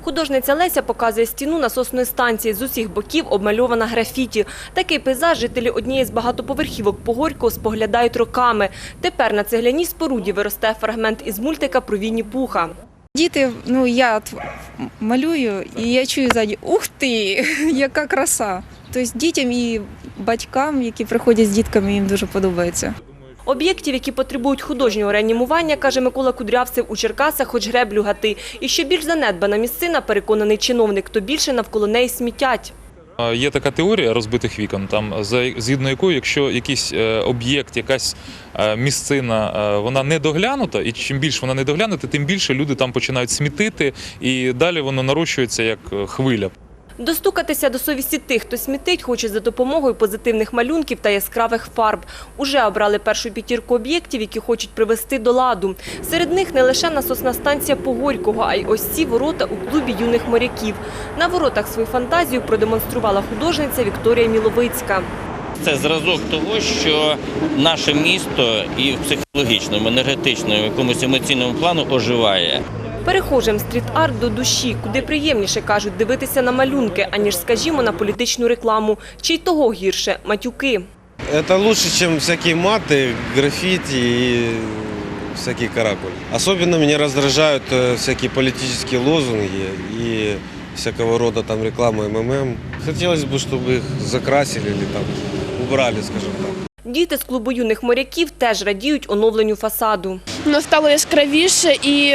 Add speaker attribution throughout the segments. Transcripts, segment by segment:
Speaker 1: Художниця Леся показує стіну насосної станції. З усіх боків обмальована графіті. Такий пейзаж жителі однієї з багатоповерхівок Погорького споглядають роками. Тепер на цегляній споруді виросте фрагмент із мультика про Вінні-Пуха.
Speaker 2: Діти, я малюю і я чую ззаді: ух ти, яка краса! Тобто дітям і батькам, які приходять з дітками, їм дуже подобається.
Speaker 1: Об'єктів, які потребують художнього реанімування, каже Микола Кудрявцев, у Черкасах хоч греблю гати. І що більш занедбана місцина, переконаний чиновник, то більше навколо неї смітять.
Speaker 3: Є така теорія розбитих вікон, згідно якої, якщо якийсь об'єкт, якась місцина, вона не доглянута, і чим більше вона не доглянута, тим більше люди там починають смітити, і далі воно нарощується як хвиля.
Speaker 1: Достукатися до совісті тих, хто смітить, хоче за допомогою позитивних малюнків та яскравих фарб. Уже обрали першу п'ятірку об'єктів, які хочуть привести до ладу. Серед них не лише насосна станція Погорького, а й ось ці ворота у клубі юних моряків. На воротах свою фантазію продемонструвала художниця Вікторія Міловицька.
Speaker 4: Це зразок того, що наше місто і в психологічному, енергетичному, якомусь емоційному плану оживає.
Speaker 1: Перехожим стріт-арт до душі, куди приємніше, кажуть, дивитися на малюнки, аніж, скажімо, на політичну рекламу. Чи й того гірше – матюки.
Speaker 5: Это лучше, чем всякие маты, граффити и всякие каракули. Особенно меня раздражают всякие политические лозунги и всякого рода там реклама МММ. Хотелось бы, чтобы их закрасили или там убрали, скажем так.
Speaker 1: Діти з клубу юних моряків теж радіють оновленню фасаду.
Speaker 6: Воно стало яскравіше і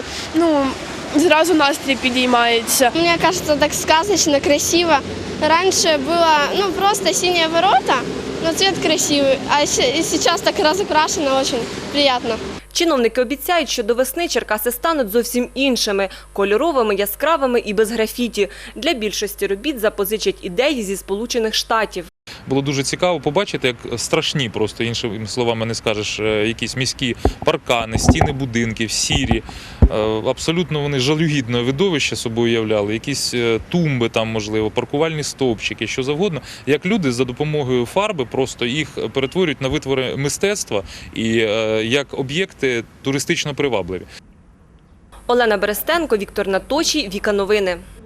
Speaker 6: зразу настрій підіймається.
Speaker 7: Мне кажется, так сказочно, красиво. Раньше было просто синие ворота, но цвет красивый, а сейчас так разукрашено, очень приятно.
Speaker 1: Чиновники обіцяють, що до весни Черкаси стануть зовсім іншими – кольоровими, яскравими і без графіті. Для більшості робіт запозичать ідеї зі Сполучених Штатів.
Speaker 3: Було дуже цікаво побачити, як страшні, просто іншими словами не скажеш, якісь міські паркани, стіни будинків, сірі. Абсолютно вони жалюгідне видовище собою являли, якісь тумби там, можливо, паркувальні стовпчики, що завгодно. Як люди за допомогою фарби просто їх перетворюють на витвори мистецтва і як об'єкти туристично привабливі.
Speaker 1: Олена Берестенко, Віктор Наточій, Віка Новини.